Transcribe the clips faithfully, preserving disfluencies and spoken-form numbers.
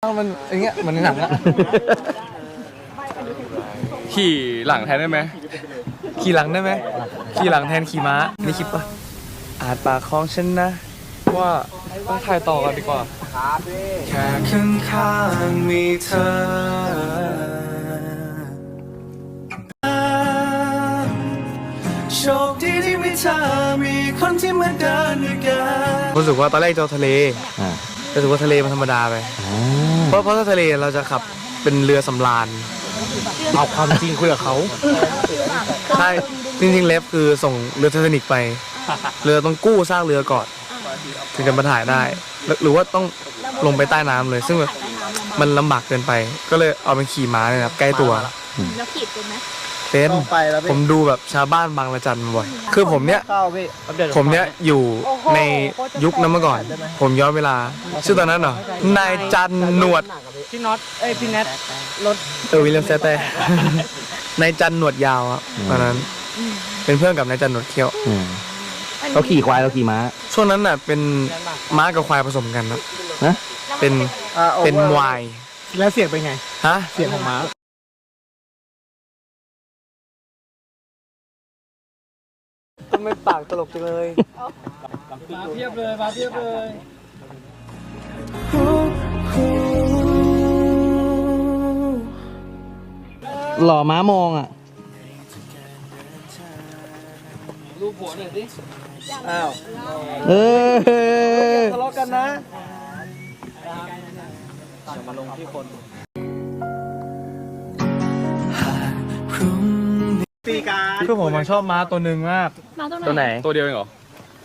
มันอย่างเงี้ยเหมือนหนังอะขี่หลังแทนได้ไหมขี่หลังได้ไหมขี่หลังแทนขี่ม้านี่คิดปะอาจปากคลองฉันนะว่าต้องถ่ายต่อกันดีกว่าแค่ข้างข้างมีเธอโชคดีที่มีเธอมีคนที่มาเดินด้วยกันรู้สึกว่าตอนแรกจะทะเลรู้สึกว่าทะเลมันธรรมดาไปเพราะเพราะถ้าทะเลเราจะขับเป็นเรือสำราญเอาความจริงคุยกับเขาใช่จริงๆเล็บคือส่งเรือไททานิคไปเรือต้องกู้ซากเรือก่อนถึงจะมาถ่ายได้หรือว่าต้องลงไปใต้น้ำเลยซึ่งมันลำบากเกินไปก็เลยเอาเป็นขี่ม้าเลยครับใกล้ตัวแล้วขีดเป็นไหมเป็นผมดูแบบชาวบ้านบางระจันบ่อยคือผมเนี้ยผมเนี้ยอยู่ในยุคนั้นเมื่อก่อนผมย้อนเวลาชื่อตอนนั้นเหรอนายจันหนวดพี่น็อตเอ้ยพี่แนทรถเออวิลเลียมแซตเต้นายจันหนวดยาวครับตอนนั้นเป็นเพื่อนกับนายจันหนวดเขี้ยวเขาขี่ควายเราขี่ม้าช่วงนั้นน่ะเป็นม้ากับควายผสมกันนะเป็นเป็นวายแล้วเสียงเป็นไงฮะเสียงของม้าทำไมปากตลกจังเลยมาเพียบเลยมาเพียบเลยหล่อม้ามองอ่ะรูปหัวหน่อยสิอ้าวเออทะเลาะกันนะมาลงที่คนตีการคือผมชอบม้าตัวหนึ่งมากตัวไหนตัวเดียวเองเหรอ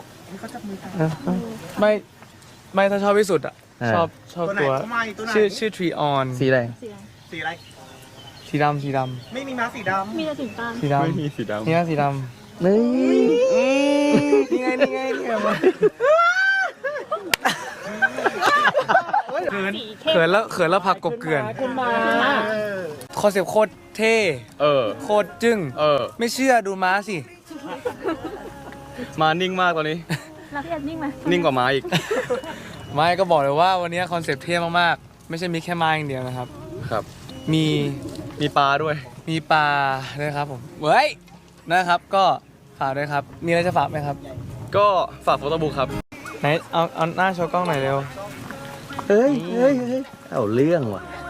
ไม่ไม่ถ้าชอบที่สุดอ่ะชอบชอบตัวชื่อชื่อทรีออนสีอะไรสีอะไรสีดำสีดำไม่มีม้าสีดำมีแต่สีฟ้าสีดำไม่มีสีดำนี่นะสีดำนี่นี่ไงนี่ไงนี่ไงมาเขินเขินแล้วเขินแล้วผักกบเกลื่อนคุณมาคอนเซ็ปต์โคตรเท่เออโคตรจึ้งเออไม่เชื่อดูม้าสิมานิ่งมากตอนนี้แล้วพี่แอดนิ่งไหมนิ่งกว่าม้าอีกไม่ก็บอกเลยว่าวันนี้คอนเซ็ปต์เท่มากๆไม่ใช่มีแค่ม้าอย่างเดียวนะครับครับมีมีปลาด้วยมีปลาด้วยครับผมเฮ้ยนะครับก็ฝากด้วยครับมีอะไรจะฝากไหมครับก็ฝากโฟโต้บุ๊กครับไหนเอาเอาหน้าโชว์กล้องหน่อยเร็วเฮ้ยเฮ้ยเฮ้ยเอาเรื่องว่ะ